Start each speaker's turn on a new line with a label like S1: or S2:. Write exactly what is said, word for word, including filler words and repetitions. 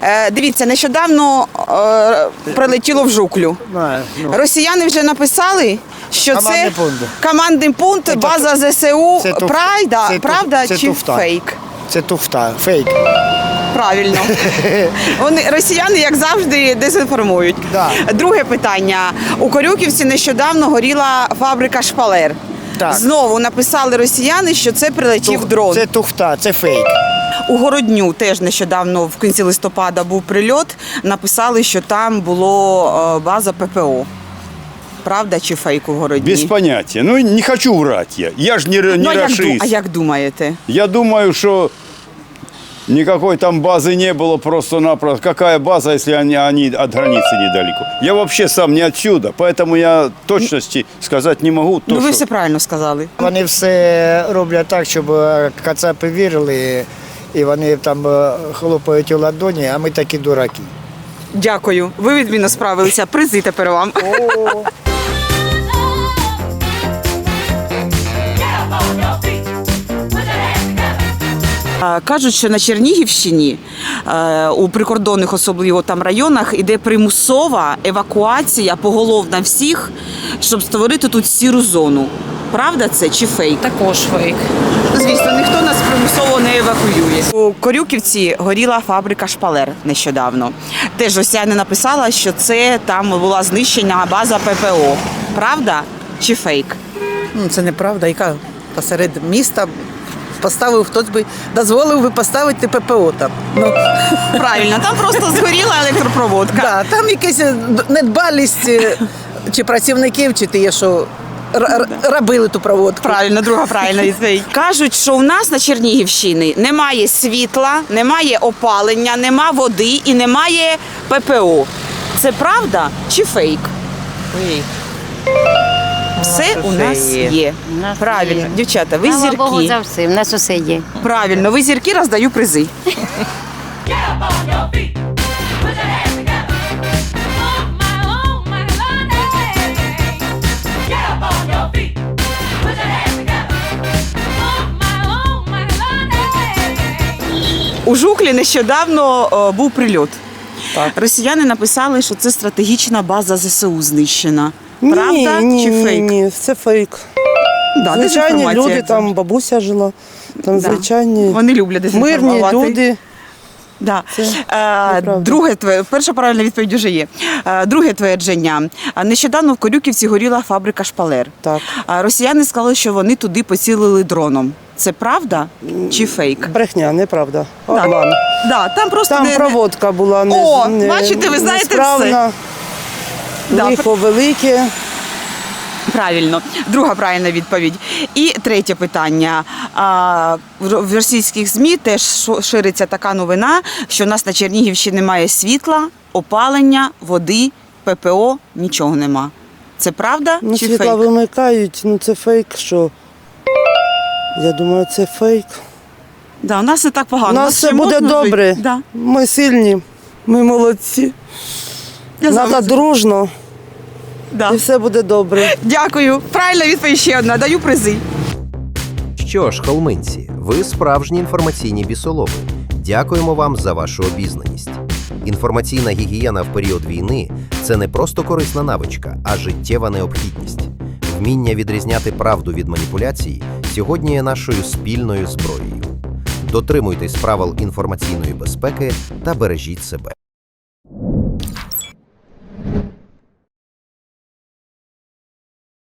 S1: Е, дивіться, нещодавно е, прилетіло в Жуклю.
S2: Знаю, ну.
S1: Росіяни вже написали, що
S2: Командний
S1: це
S2: пункт.
S1: командний пункт,
S2: Це
S1: база ЗСУ.
S2: це туф-
S1: Правда,
S2: це туф-
S1: правда
S2: це
S1: чи
S2: туфта.
S1: фейк?
S2: Це туфта, фейк.
S1: Правильно. Вони, росіяни, як завжди, дезінформують.
S2: Да.
S1: Друге питання. У Корюківці нещодавно горіла фабрика шпалер.
S2: Так.
S1: Знову написали росіяни, що це прилетів
S2: Тух-
S1: дрон.
S2: Це туфта, це фейк.
S1: У Городню теж нещодавно в кінці листопада був прильот. Написали, що там було е, база ППО. Правда чи фейк у Городні?
S3: Без понятия. Ну, не хочу врать я. Я же не, не
S1: Ну, а, як, ду-
S3: расист.
S1: а як думаєте?
S3: Я думаю, что никакой там базы не было просто-напросто. Какая база, если они, они от границы недалеко? Я вообще сам не отсюда, поэтому я точности сказать не могу. То,
S1: Ну, ви
S3: что-
S1: все правильно сказали.
S2: Вони все роблять так, щоб е, кацапи вірили, і вони там е, хлопають у ладоні, а ми такі дураки.
S1: Дякую. Ви відмінно справилися. Призи тепер вам. Е, Кажуть, що на Чернігівщині е, у прикордонних, особливо там районах, іде примусова евакуація поголовна всіх, щоб створити тут сіру зону. Правда це чи фейк?
S4: Також фейк.
S1: Звісно, ніхто нас примусово не евакуює. У Корюківці горіла фабрика шпалер нещодавно. Теж росіяни написали, що це там була знищена база ППО. Правда чи фейк?
S4: Ну, це неправда, яка посеред міста поставив, хтось би дозволив би поставити ППО там. Ну,
S1: Правильно, там просто згоріла електропроводка.
S4: да, там якась недбалість е, чи працівників, чи ті, що р- р- робили ту проводку.
S1: Правильно, друга правильна відповідь. Кажуть, що у нас на Чернігівщині немає світла, немає опалення, нема води і немає ППО. Це правда чи фейк?
S4: Ой.
S1: Все у
S4: усе
S1: нас
S4: є.
S1: є.
S5: У нас
S1: Правильно,
S5: є.
S1: дівчата, ви
S5: Слава Богу
S1: зірки.
S5: за все, в нас усе є.
S1: Правильно, ви зірки, роздаю призи. У Жуклі нещодавно е, був прильот.
S4: Так.
S1: Росіяни написали, що це стратегічна база ЗСУ знищена. Правда
S6: ні,
S1: чи
S6: ні,
S1: фейк?
S6: Ні, це фейк.
S1: Да,
S6: Звичайні
S1: дезінформація.
S6: люди, там бабуся жила, там
S1: Да.
S6: звичайні
S1: Вони люблять
S6: мирні
S1: дезінформувати.
S6: люди.
S1: Да.
S6: Це
S1: Е,
S6: неправда.
S1: друге твоє, перша правильна відповідь вже є. Е, друге твердження. Е, Нещодавно в Корюківці горіла фабрика шпалер.
S6: Так.
S1: Е, Росіяни сказали, що вони туди поцілили дроном. Це правда чи фейк?
S6: Брехня, неправда.
S1: Да.
S6: Обман.
S1: Да, там просто
S6: Там
S1: не-
S6: проводка була не,
S1: О,
S6: не,
S1: бачите, ви знаєте
S6: несправна,
S1: Да.
S6: лихо велике.
S1: Правильно, друга правильна відповідь. І третє питання. А, в в російських ЗМІ теж шо- шириться така новина, що у нас на Чернігівщині немає світла, опалення, води, ППО, нічого нема. Це правда
S6: Ну,
S1: чи
S6: світла
S1: фейк?
S6: вимикають, ну це фейк, що. Я думаю, це фейк.
S1: Да, у нас не так погано.
S6: У нас
S1: ще
S6: все буде
S1: можна жити?
S6: добре.
S1: Да.
S6: Ми сильні, ми молодці.
S1: Я
S6: Треба
S1: завжди-
S6: дружно,
S1: Да.
S6: і все буде добре.
S1: Дякую. Правильна відповідь ще одна. Даю призи.
S7: Що ж, холминці, ви справжні інформаційні бісолови. Дякуємо вам за вашу обізнаність. Інформаційна гігієна в період війни – це не просто корисна навичка, а життєва необхідність. Вміння відрізняти правду від маніпуляцій сьогодні є нашою спільною зброєю. Дотримуйтесь правил інформаційної безпеки та бережіть себе.